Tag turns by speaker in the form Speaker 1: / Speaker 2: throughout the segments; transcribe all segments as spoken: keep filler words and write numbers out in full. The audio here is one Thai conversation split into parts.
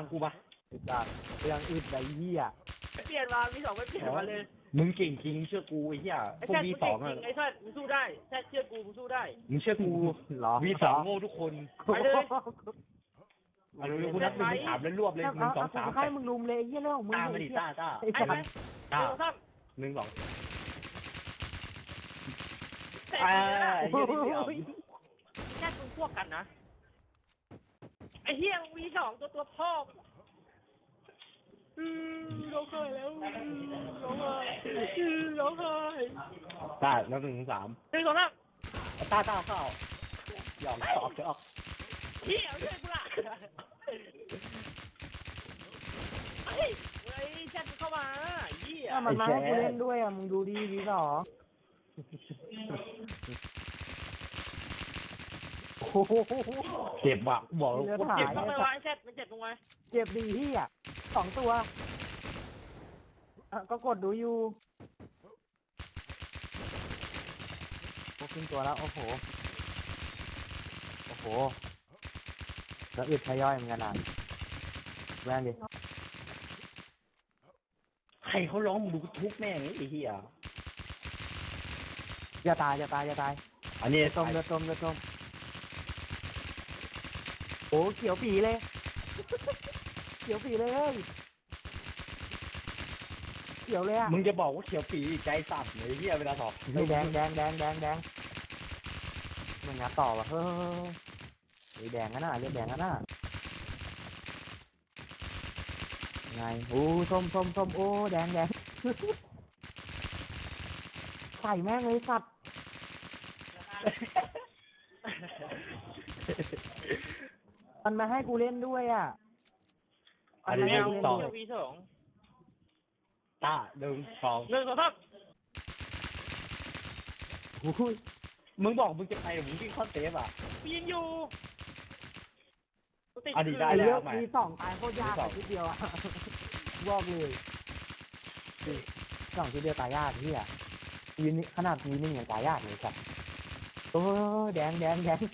Speaker 1: กูปะ
Speaker 2: จากเรื่องอึดไรเหี้ย
Speaker 3: ไม่เปลี่ยนมามีสองไม่เปลี่ยนมาเลย
Speaker 1: มึงเก่งจริงเชื่อกูไอ้เหี้ย
Speaker 3: ไอ้
Speaker 1: พวก
Speaker 3: แซ่
Speaker 1: วี
Speaker 3: กู
Speaker 1: ส
Speaker 3: เก่
Speaker 1: อง
Speaker 3: งจ
Speaker 1: อะ
Speaker 3: ริงไอ้แซ่มึงสู้ได้แซ่เชื่อกูมึงสู้ได้
Speaker 1: มึงเชื่อกู
Speaker 2: หรอ
Speaker 1: วีสองโง่ทุกคน
Speaker 3: ไปเลย
Speaker 1: เอาเร็วๆกูนับหนึ่งถึงสามแล้วรวบเลยหนึ่งสองสาม
Speaker 2: ให้มึงลุมเลยไอ้เหี้ยเรื่องของมึง
Speaker 1: ต้ามาดิต้าต้า
Speaker 2: ไอ้
Speaker 3: ไอ้
Speaker 2: สั
Speaker 3: ไหม
Speaker 2: ตว์
Speaker 3: หนึ่งสอง
Speaker 1: หนึ่งสอง
Speaker 3: แซ่
Speaker 1: อ่า
Speaker 3: กู
Speaker 1: ไอ้เหี้ยนี่เดียว
Speaker 3: แซ่มึงพวกกันนะไอ้เฮียมีสองตัวตัวพ่ออืมร้องไห้แล้วร้องไห้ร้องไห้
Speaker 1: ต้านับหนึ่งถึงสาม
Speaker 3: หนึ่งสองสาม
Speaker 1: ต้าต้าเข้าหยอกหยอกหยอก
Speaker 3: เฮียช่วยกูละเฮ้ยเฮ้ยแซ่มึงเข้ามาเฮีย
Speaker 2: ถ้ามันมาให้กูเล่นด้วยอ่ะมึงดูดีดีสองโอ้โห
Speaker 1: เจ็บว่ะบอกแล้วโคตร
Speaker 3: เจ็
Speaker 1: เจ็
Speaker 3: บบ ตรงไหนวะไอ้แซ่มันเจ็บตรงไหน
Speaker 2: เจ็บดีที่อ่ะสองตัวอ่ะก็กดดูอยู่โอ้ขึ้นตัวแล้วโอ้โหโอ้โหแล้วอึดทยอยเหมือนกันอ่ะแรงดิ
Speaker 1: ใครเขาร้องมึงดูทุกแม่งไอ้เหี้ย
Speaker 2: อย่าตายอย่าตายอย่าตาย
Speaker 1: อันนี้
Speaker 2: ต้มเดือดต้มเดือดต้มโอ้เขียวปีเลย เขียวปีเลยเฮ้ยเขียวเลยอ่ะ
Speaker 1: มึงจะบอกว่าเขียวปีใจสั่นเลยไอ้เหี้ยเวลาบอก
Speaker 2: นี่แดงแดงแดงแดงแดงมึงงัดต่อวะเฮ้ยไอ้แดงกันน่ะเรียกแดงกันน่ะไงโอ้ส้มส้มส้มโอ้แดงแดง ใส่แม่งเลยสัตว์ มันมาให้กูเล่นด้วยอ่ะ
Speaker 1: อันนี้
Speaker 3: แมว
Speaker 1: หนึ่งสอง
Speaker 3: เฮียวีสอง
Speaker 1: ตาหนึ่งสอง
Speaker 3: หนึ่งสองสาม
Speaker 2: โอ้ย
Speaker 1: มึงบอกมึงจะไปมึงวิ่งเข้าเซฟอ่ะ
Speaker 3: ยิงอยู่ติด
Speaker 1: อันนี้ได้
Speaker 2: ไอ้
Speaker 1: แล้
Speaker 2: เลือ
Speaker 1: ว
Speaker 2: ก
Speaker 1: ใหม่
Speaker 2: มีสองตายโคตรยาก
Speaker 1: มีสอง
Speaker 2: ทีเดียวอ่ะ บอกเลยสองทีเดียวตายยากที่อ่ะยืนนี่ขนาดยืนนี่ยังตายยากเลยสัตว์โอ้แดงแดงแดง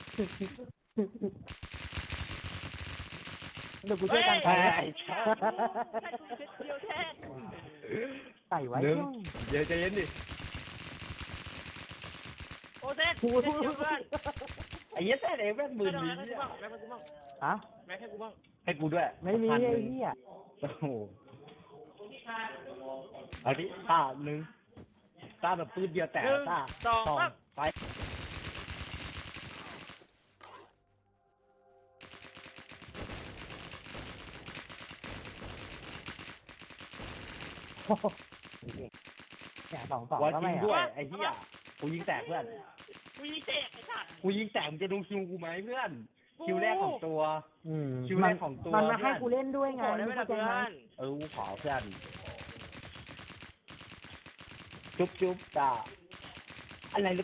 Speaker 2: เดี๋ยวกูช่วยกัน
Speaker 1: ไอ้
Speaker 2: ใส่
Speaker 1: ไอ้ชา
Speaker 3: แค่กูเช็ดเดียวแค่
Speaker 2: ใส่ไว้
Speaker 1: หนึ่ง
Speaker 2: ช่วง
Speaker 1: เดี๋ยวใจเย็นดิ
Speaker 3: โอ้เซ็ตเช็ดเดียวเพื่อน
Speaker 1: ไอ้เหี้ยแท้เลยแม่งหมื่น
Speaker 3: แม่
Speaker 1: ดี
Speaker 3: ให้กูบ้างแม่ให้กูบ้าง
Speaker 2: ฮะ
Speaker 3: แม่ให้กูบ้าง
Speaker 1: ให้กูด้วย
Speaker 2: ไม่มี
Speaker 1: พันห
Speaker 2: ไอ้
Speaker 1: นึ่ง
Speaker 2: เหี้ย
Speaker 1: โอ้โหเอาดิตาหนึ่งตาแบบปืนเดียวแต่
Speaker 3: หนึ่ง
Speaker 1: ตา
Speaker 3: สอง
Speaker 1: สอง
Speaker 3: สาม
Speaker 1: ไป
Speaker 2: โอ้โหเนี่ยสองสอง
Speaker 1: วัน
Speaker 2: ก็
Speaker 1: จริ
Speaker 2: ไม่
Speaker 1: ง
Speaker 2: อ่ะ
Speaker 1: ด้วยไอ้เหี้ยกูยิงแตกเพื่อน
Speaker 3: กูยิงเตะไอ้สัตว์
Speaker 1: กูยิงแตกมึงจะดูคิวกูไหมเพื่อน คิวแรกของตัว
Speaker 2: อืม
Speaker 1: คิวแรกของตัว
Speaker 2: มันมาให้
Speaker 1: เพื่อน
Speaker 2: กูเล่นด้วยไง
Speaker 3: ขอได้ไหม
Speaker 2: เข้า
Speaker 3: ล่ะ
Speaker 2: ใจ
Speaker 3: เพื่อ
Speaker 2: ไหม
Speaker 3: น
Speaker 1: เออกูขอเพื่อนจุ๊บจุ๊บจ้าอะไร